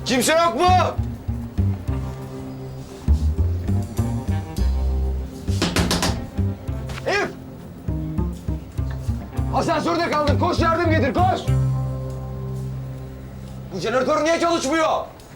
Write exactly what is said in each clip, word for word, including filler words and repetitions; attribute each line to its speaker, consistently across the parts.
Speaker 1: Kimse yok mu? Elif! Asansörde kaldım. Koş yardım getir, koş! Bu jeneratör niye çalışmıyor?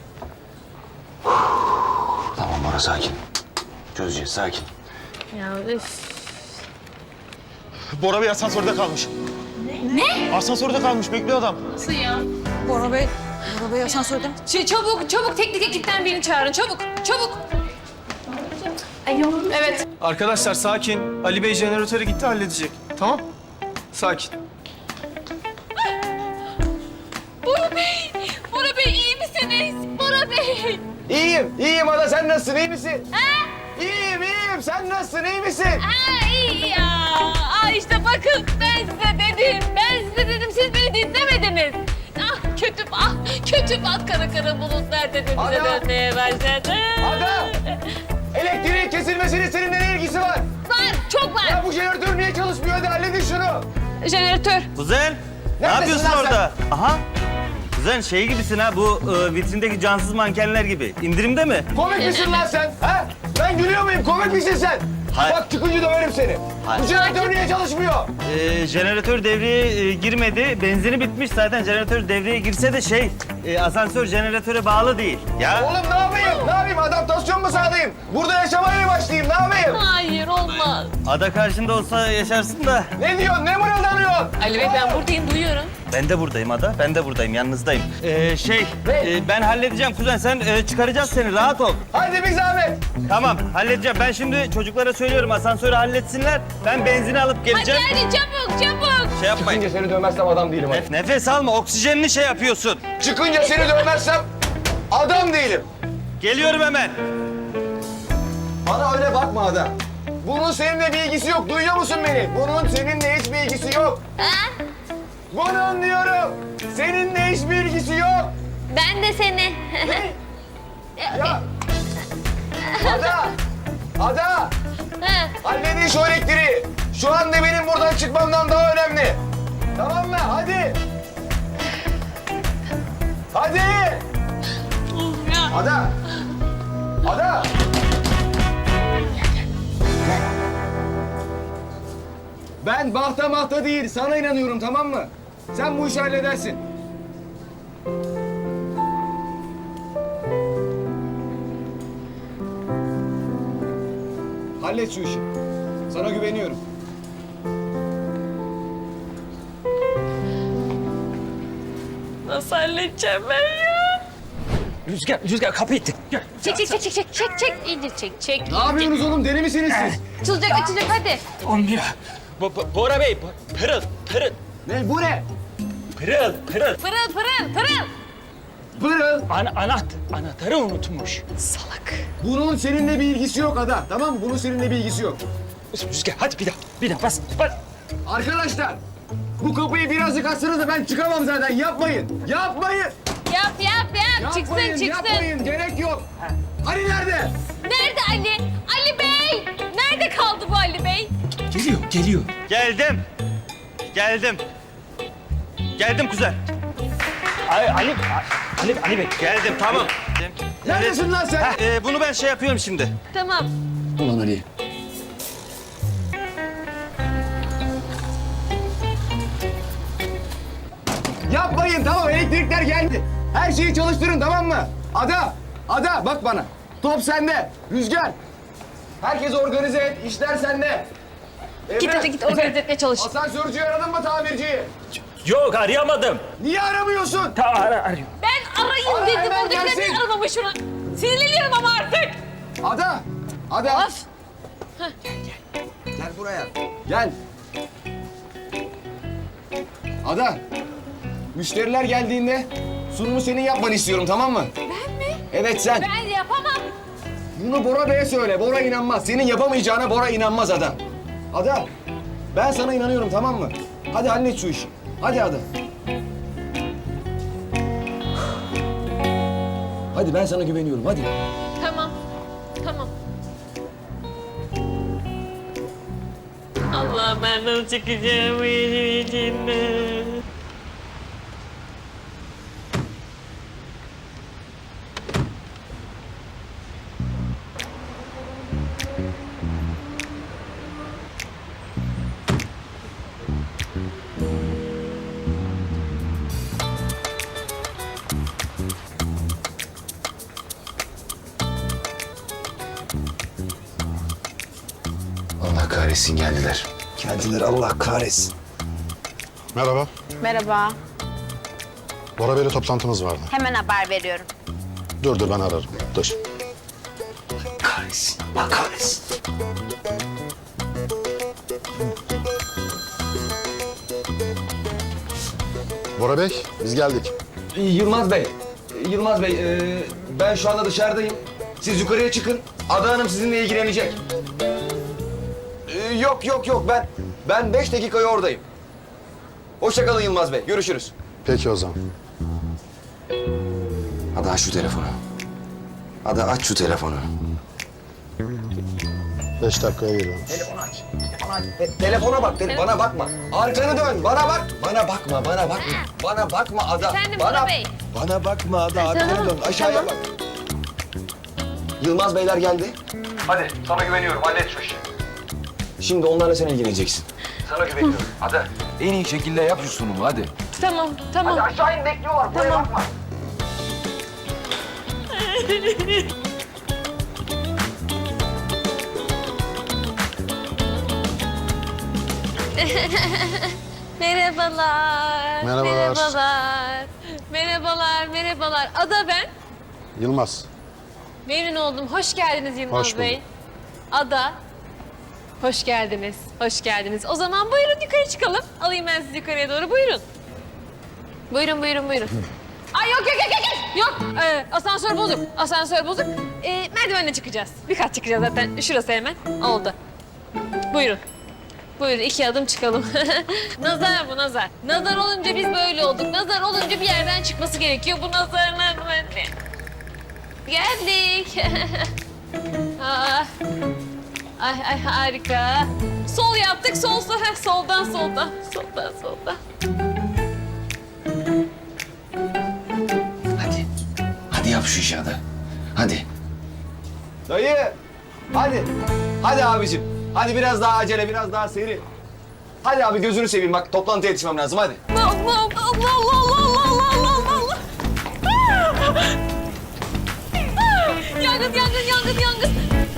Speaker 1: Tamam Bora, sakin. Çözeceğiz, sakin.
Speaker 2: Ya üf.
Speaker 3: Bora Bey asansörde kalmış.
Speaker 2: Ne?
Speaker 3: Asansörde kalmış, bekliyor adam.
Speaker 2: Nasıl ya?
Speaker 4: Bora Bey, Bora Bey asansörde mi?
Speaker 2: Ç- çabuk, çabuk teknik ekipten birini çağırın. Çabuk, çabuk. Ay yok. Evet.
Speaker 5: Arkadaşlar sakin. Ali Bey jeneratöre gitti, halledecek. Tamam? Sakin.
Speaker 2: Bora Bey, Bora Bey iyi misiniz? Bora Bey.
Speaker 1: İyiyim, iyiyim Ada. Sen nasılsın, iyi misin?
Speaker 2: Ha?
Speaker 1: İyiyim, iyiyim. Sen nasılsın, iyi misin?
Speaker 2: Ha iyi ya. Aa işte bakın ben size dedim. Ben size dedim, siz beni dinlemediniz. Ah kötü, ah kötü bak kara kara bulutlar tepemize
Speaker 1: Ada!
Speaker 2: dönmeye başladı.
Speaker 1: Ada! Elektriğin kesilmesinin seninle ne ilgisi var?
Speaker 2: Var, çok var.
Speaker 1: Ya bu jeneratör niye çalışmıyor? Hadi halledin şunu.
Speaker 2: Jeneratör.
Speaker 6: Kuzen, ne
Speaker 1: Neredesin
Speaker 6: yapıyorsun
Speaker 1: lan sen?
Speaker 6: orada? Aha. Kuzen şey gibisin ha, bu e, vitrindeki cansız mankenler gibi. İndirimde mi?
Speaker 1: Komik misin lan sen? Ha? Ben gülüyor muyum? Komik misin sen?
Speaker 6: Hayır.
Speaker 1: Bak çıkınca döverim seni.
Speaker 6: Hayır.
Speaker 1: Bu jeneratör niye çalışmıyor?
Speaker 6: E, jeneratör devreye e, girmedi. Benzini bitmiş zaten. Jeneratör devreye girse de şey, e, asansör jeneratöre bağlı değil. Ya.
Speaker 1: Oğlum ne yapayım? Ne yapayım? Adaptasyon mu sağlayayım? Burada yaşamaya mı başlayayım? Ne yapayım?
Speaker 2: Hayır olmaz.
Speaker 6: Ada karşında olsa yaşarsın da.
Speaker 1: Ne diyorsun? Ne mırıldanıyorsun?
Speaker 2: Ali Bey ben buradayım duyuyorum.
Speaker 6: Ben de buradayım Ada. Ben de buradayım. Yanınızdayım. E, şey,
Speaker 1: Ne?
Speaker 6: e, ben halledeceğim kuzen. Sen e, çıkaracağız seni. Rahat ol.
Speaker 1: Hadi bir zahmet.
Speaker 6: Tamam, halledeceğim. Ben şimdi çocuklara söylüyorum asansörü halletsinler. Ben benzini alıp
Speaker 2: Hadi
Speaker 6: geleceğim.
Speaker 2: hadi çabuk çabuk.
Speaker 6: Şey yapmayın.
Speaker 1: Çıkınca seni dövmezsem adam değilim. Hadi.
Speaker 6: Nef- nefes alma, oksijenini şey yapıyorsun.
Speaker 1: Çıkınca seni dövmezsem adam değilim.
Speaker 6: Geliyorum hemen.
Speaker 1: Bana öyle bakma Ada. Bunun seninle bir ilgisi yok. Duyuyor musun beni? Bunun seninle hiçbir ilgisi yok.
Speaker 2: Ha?
Speaker 1: Bunun diyorum. Seninle hiçbir ilgisi yok.
Speaker 2: Ben de seni.
Speaker 1: Ya. Ada. Ada.
Speaker 2: Ha.
Speaker 1: Halledin şu elektriği. Şu anda benim buradan çıkmamdan daha önemli. Tamam mı? Hadi. Hadi. Ada. Ada. Ben bahta mahta değil, sana inanıyorum, tamam mı? Sen bu işi halledersin. Hallet şu işi. Sana güveniyorum.
Speaker 2: Nasıl halledeceğim ben ya?
Speaker 3: Rüzgar, Rüzgar kapı itti. Gel.
Speaker 2: Çek çek çek çek çek çek çek iyice çek çek.
Speaker 1: Ne yapıyorsunuz oğlum? Deli misiniz siz?
Speaker 2: Açılacak açılacak hadi.
Speaker 3: Olmuyor. Bo Bo- Bora Bey, Bo- pırıl, pırıl,
Speaker 1: Ne? Bu ne?
Speaker 3: pırıl, pırıl.
Speaker 2: Pırıl pırıl pırıl.
Speaker 1: Pırıl.
Speaker 3: Ana, anaht, anahtarı unutmuş.
Speaker 2: Salak.
Speaker 1: Bunun seninle bir ilgisi yok Ada. Tamam mı? Bunun seninle bir ilgisi yok.
Speaker 3: Rüzgar, hadi bir daha, bir daha bas, bas.
Speaker 1: Arkadaşlar, bu kapıyı birazcık açsanız da ben çıkamam zaten. Yapmayın. Yapmayın.
Speaker 2: Yap yap yap. Çıksın
Speaker 1: Yapmayın,
Speaker 2: çıksın.
Speaker 1: yapmayın. Gerek yok. Ali nerede?
Speaker 2: Nerede Ali? Ali Bey. Nerede kaldı bu Ali Bey?
Speaker 3: Geliyor, geliyor.
Speaker 6: Geldim. Geldim. Geldim kuzen.
Speaker 3: Ali, Ali, Ali, Ali Bey.
Speaker 6: Geldim, tamam.
Speaker 1: Neredesin lan sen?
Speaker 6: Heh, e, bunu ben şey yapıyorum şimdi.
Speaker 2: Tamam.
Speaker 1: Ulan Ali. Yapmayın, tamam, elektrikler geldi. Her şeyi çalıştırın, tamam mı? Ada, Ada bak bana. Top sende, Rüzgar. Herkes organize et, işler sende. Emre,
Speaker 2: Git hadi git organize etmeye çalış.
Speaker 1: asansörcüyü aradın mı, tamirciyi?
Speaker 3: Yok, arayamadım.
Speaker 1: Niye aramıyorsun?
Speaker 3: Ta ara, arıyor.
Speaker 2: Ben arayayım
Speaker 1: Ara,
Speaker 2: dedim.
Speaker 1: hemen
Speaker 2: Oradakiler
Speaker 1: gelsin.
Speaker 2: niye aramamış şunu? Sinirleniyorum ama artık.
Speaker 1: Ada, Ada.
Speaker 2: Of.
Speaker 1: Gel buraya. Gel. Ada. Müşteriler geldiğinde sunumu senin yapmanı istiyorum, tamam mı?
Speaker 2: Ben mi?
Speaker 1: Evet sen.
Speaker 2: Ben yapamam.
Speaker 1: Bunu Bora Bey'e söyle. Bora inanmaz. Senin yapamayacağına Bora inanmaz Ada. Ada. Ben sana inanıyorum, tamam mı? Hadi hallet şu işi. Hadi Ada. Hadi ben sana güveniyorum. Hadi.
Speaker 2: Tamam. Tamam. Allah ben nasıl çıkacağım bu işin içinden?
Speaker 1: Allah kahretsin geldiler.
Speaker 7: Geldiler Allah kahretsin.
Speaker 8: Merhaba.
Speaker 9: Merhaba.
Speaker 8: Bora Bey'le toplantımız vardı.
Speaker 9: Hemen haber veriyorum.
Speaker 8: Dur dur ben ararım. Dur.
Speaker 1: Kahretsin. Allah kahretsin.
Speaker 8: Bora Bey biz geldik.
Speaker 1: Yılmaz Bey. Yılmaz Bey e, ben şu anda dışarıdayım. Siz yukarıya çıkın. Ada Hanım sizinle ilgilenecek. E, yok yok yok ben ben beş dakikaya oradayım. Hoşça kalın Yılmaz Bey. Görüşürüz.
Speaker 8: Peki o zaman.
Speaker 1: Ada aç şu telefonu. Ada aç şu telefonu.
Speaker 8: Beş dakikaya geliyorum.
Speaker 1: Telefonu aç. Telefonu aç. Te- telefona bak. Tele- bana bakma. Arkanı dön. Bana bak. Bana bakma. Bana bakma. Bana bakma Ada.
Speaker 2: Efendim
Speaker 1: bana,
Speaker 2: Bora Bey.
Speaker 1: Bana bakma Ada. Arkanı
Speaker 2: tamam,
Speaker 1: dön. Aşağıya
Speaker 2: tamam.
Speaker 1: bak. Yılmaz Beyler geldi. Hadi sana güveniyorum. Hallet şu işi. Şimdi onlarla sen ilgileneceksin. Sana güveniyorum. Ada. En iyi şekilde yap şu sunumu hadi.
Speaker 2: Tamam, tamam.
Speaker 1: Hadi aşağı in bekliyorlar. Buraya
Speaker 2: Tamam.
Speaker 1: bakma.
Speaker 2: Merhabalar.
Speaker 8: Merhabalar.
Speaker 2: Merhabalar. Merhabalar, merhabalar. Ada ben.
Speaker 8: Yılmaz.
Speaker 2: Memnun oldum. Hoş geldiniz Yılmaz
Speaker 8: Hoş bulduk.
Speaker 2: Bey. Ada. Hoş geldiniz. Hoş geldiniz. O zaman buyurun yukarı çıkalım. Alayım ben sizi yukarıya doğru. Buyurun. Buyurun, buyurun, buyurun. Ay yok, yok, yok, yok, yok. Yok, ee, asansör bozuk. Asansör bozuk. Ee, merdivenle çıkacağız. Birkaç çıkacağız zaten. Şurası hemen. Oldu. Buyurun. Buyurun iki adım çıkalım. Nazar bu nazar. Nazar olunca biz böyle olduk. Nazar olunca bir yerden çıkması gerekiyor. Bu nazarlar böyle. Geldik. Aa. Ay ay harika. Sol yaptık. Sol sol. Heh, soldan soldan. Soldan soldan.
Speaker 1: Hadi. Hadi yap şu işi Ada. Hadi. Dayı. Hadi. Hadi abicim. Hadi biraz daha acele, biraz daha seri. Hadi abi gözünü seveyim bak toplantıya yetişmem lazım hadi.
Speaker 2: Allah Allah Allah Allah Allah Allah Allah. Yangın yangın yangın yangın.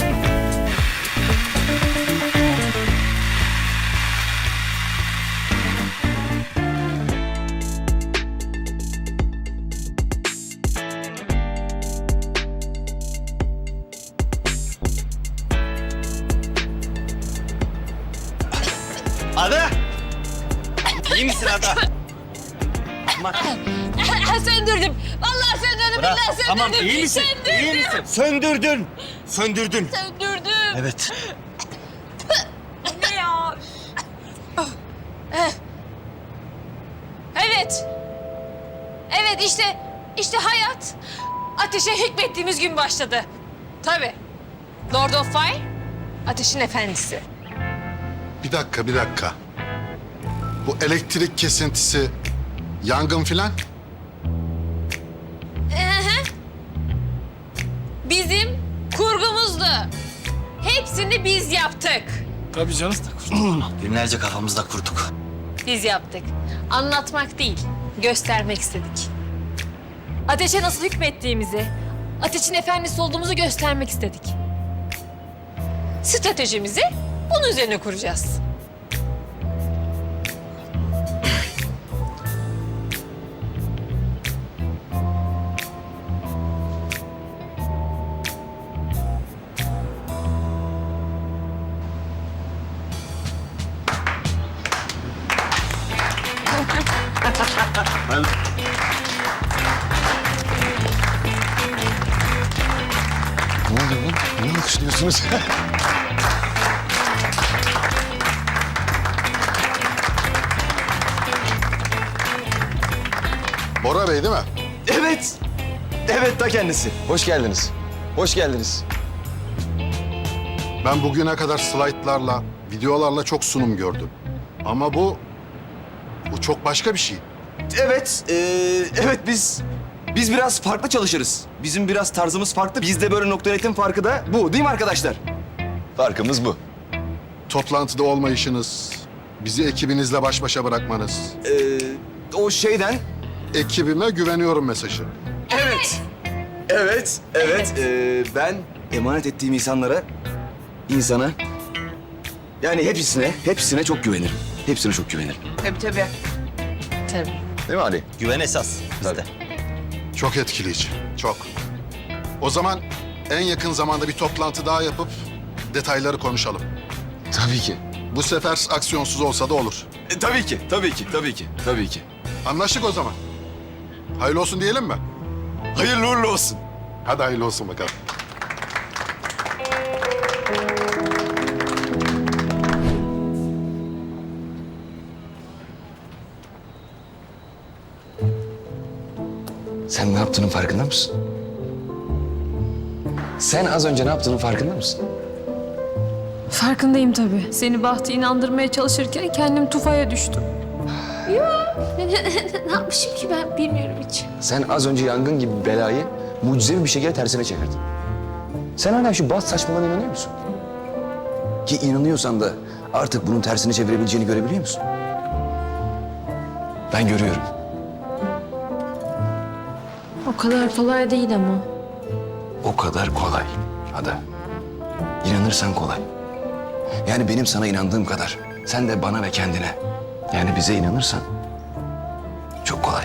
Speaker 6: Ada! İyi misin Ada?
Speaker 2: Söndürdüm. Vallahi söndürdüm.
Speaker 6: Bırak.
Speaker 2: Billahi söndürdüm.
Speaker 6: Tamam iyi misin?
Speaker 2: Söndürdüm.
Speaker 6: İyi misin? Söndürdün. Söndürdün.
Speaker 2: Söndürdüm.
Speaker 6: Evet.
Speaker 2: Ne ya? Evet. Evet işte, işte hayat ateşe hükmettiğimiz gün başladı. Tabii. Lord of Fire, ateşin efendisi.
Speaker 8: Bir dakika bir dakika. Bu elektrik kesintisi, yangın filan.
Speaker 2: Ehe. Bizim kurgumuzdu. Hepsini biz yaptık.
Speaker 5: Tabii canım.
Speaker 6: Günlerce kafamızda kurduk.
Speaker 2: Biz yaptık. Anlatmak değil, göstermek istedik. Ateşe nasıl hükmettiğimizi, ateşin efendisi olduğumuzu göstermek istedik. Stratejimizi bunun üzerine kuracağız.
Speaker 8: Ne oluyor lan? Niye alkışlıyorsunuz? Bora Bey değil mi?
Speaker 1: Evet. Evet ta kendisi. Hoş geldiniz. Hoş geldiniz.
Speaker 8: Ben bugüne kadar slaytlarla, videolarla çok sunum gördüm. Ama bu, bu çok başka bir şey.
Speaker 1: Evet, ee, evet biz biz biraz farklı çalışırız. Bizim biraz tarzımız farklı. Bizde böyle nokta netin farkı da bu değil mi arkadaşlar? Farkımız bu.
Speaker 8: Toplantıda olmayışınız, bizi ekibinizle baş başa bırakmanız.
Speaker 1: Ee, o şeyden
Speaker 8: Ekibime güveniyorum mesajı.
Speaker 1: Evet. Evet, evet. Ee, ben emanet ettiğim insanlara, insana, yani hepsine, hepsine çok güvenirim. Hepsine çok güvenirim.
Speaker 4: Tabii tabii.
Speaker 2: Tabii.
Speaker 1: Değil mi Ali?
Speaker 6: Güven esas bizde.
Speaker 8: Çok etkileyici. Çok. O zaman en yakın zamanda bir toplantı daha yapıp detayları konuşalım.
Speaker 1: Tabii ki.
Speaker 8: Bu sefer aksiyonsuz olsa da olur.
Speaker 1: E, tabii ki, tabii ki, tabii ki, tabii ki.
Speaker 8: Anlaştık o zaman. Hayırlı olsun diyelim mi?
Speaker 1: Hayırlı uğurlu olsun.
Speaker 8: Hadi hayırlı olsun bakalım.
Speaker 1: Sen ne yaptığının farkında mısın? Sen az önce ne yaptığının farkında mısın?
Speaker 9: Farkındayım tabii. Seni Bahtı inandırmaya çalışırken kendim tufaya düştüm.
Speaker 2: Ne yapmışım ki ben bilmiyorum hiç.
Speaker 1: Sen az önce yangın gibi bir belayı mucizevi bir şekilde tersine çevirdin. Sen hala şu bas saçmalığına inanıyor musun? Ki inanıyorsan da artık bunun tersini çevirebileceğini görebiliyor musun? Ben görüyorum.
Speaker 9: O kadar kolay değil ama.
Speaker 1: O kadar kolay Ada. İnanırsan kolay. Yani benim sana inandığım kadar sen de bana ve kendine, yani bize inanırsan çok kolay.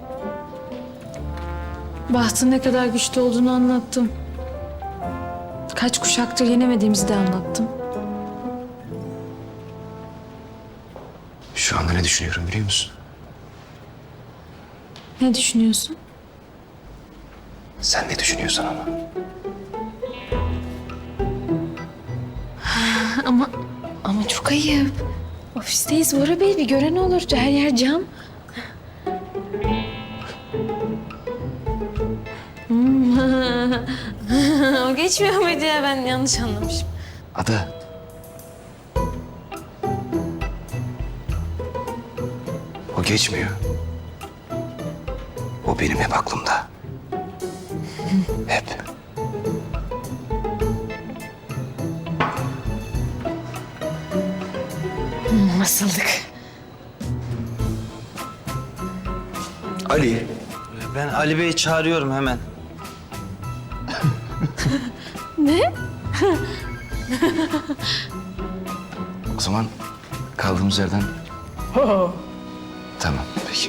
Speaker 9: Bahtın ne kadar güçlü olduğunu anlattım. Kaç kuşaktır yenemediğimizi de anlattım.
Speaker 1: Şu anda ne düşünüyorum biliyor musun?
Speaker 9: Ne düşünüyorsun?
Speaker 1: Sen ne düşünüyorsan ama.
Speaker 9: Ama ama çok ayıp. Ofisteyiz Bora Bey, bir gören olur. Her yer cam.
Speaker 2: Hmm. O geçmiyor muydu ya? Ben yanlış anlamışım.
Speaker 1: Ada. O geçmiyor. O benim hep aklımda. Hep.
Speaker 9: Nasıldık?
Speaker 1: Ali.
Speaker 6: Ben Ali Bey'i çağırıyorum hemen.
Speaker 1: O zaman kaldığımız yerden... Tamam, peki.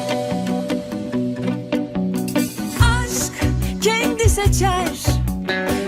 Speaker 10: aşk kendi seçer